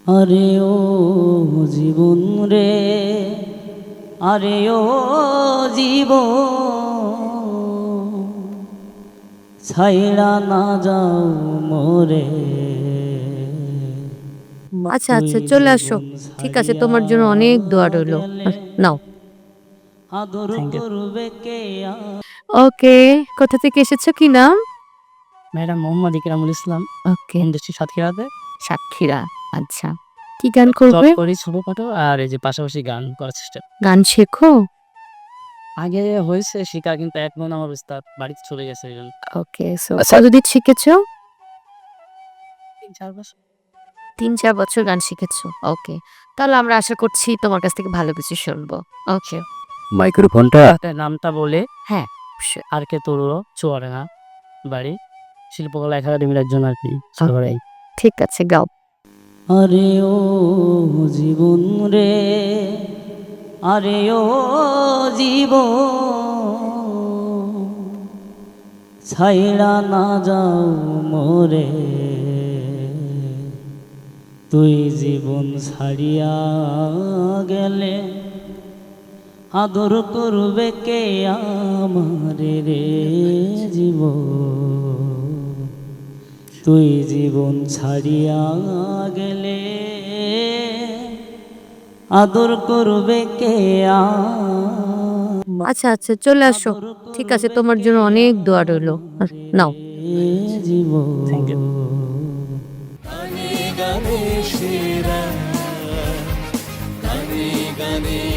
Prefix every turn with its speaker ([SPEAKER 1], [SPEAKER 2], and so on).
[SPEAKER 1] আরে ও জীবন রে, আরে ও জীবন, ছাইড়া না যাও মোরে।
[SPEAKER 2] আচ্ছা আচ্ছা, চলে আসো। ঠিক আছে, তোমার জন্য অনেক দোয়া রইলো। নাও।
[SPEAKER 1] আদর করবে কে?
[SPEAKER 2] ওকে, কোথা থেকে এসেছো, কি নাম?
[SPEAKER 1] Madam Mohammad Ikramul Islam,
[SPEAKER 2] okay,
[SPEAKER 1] industry সাতক্ষীরাতে
[SPEAKER 2] সাতক্ষীরা। আচ্ছা, কি গান
[SPEAKER 1] জব
[SPEAKER 2] করবে?
[SPEAKER 1] করি ছোটখাটো, আর এই যে পাশাপাশি গান করার চেষ্টা।
[SPEAKER 2] গান শেখো?
[SPEAKER 1] আগে হয়েছে শিখা, কিন্তু এখন আমার উস্তাদ বাড়িতে চলে গেছে এই জন্য।
[SPEAKER 2] ওকে, সো কতদিন শিখেছো?
[SPEAKER 1] 3-4 বছর।
[SPEAKER 2] 3-4 বছর গান শিখেছো। ওকে, তাহলে আমরা আশা করছি তোমার কাছ থেকে ভালো কিছু শুনবো। ওকে,
[SPEAKER 1] মাইক্রোফোনটা নামটা বলে।
[SPEAKER 2] হ্যাঁ,
[SPEAKER 1] আর কে তরুণ চুয়াডাঙ্গা বাড়ি, শিল্পকলা একাডেমির একজন আর কি সবাই।
[SPEAKER 2] ঠিক আছে, গাও।
[SPEAKER 1] আরে ও জীবন রে, আরে ও জীবন, ছাইড়া না যাও মোরে। তুই জীবন ছাড়িয়া গেলে আদর করবে কে আমারে রে জীবন। তুই জীবন ছাড়িয়া গেলে আদর করবে কে?
[SPEAKER 2] আচ্ছা আচ্ছা, চলে আসো। ঠিক আছে, তোমার জন্য অনেক দোয়া রইলো। নাও।
[SPEAKER 1] জীবন। Thank you.
[SPEAKER 3] গানে গানে সেরা, গানে গানে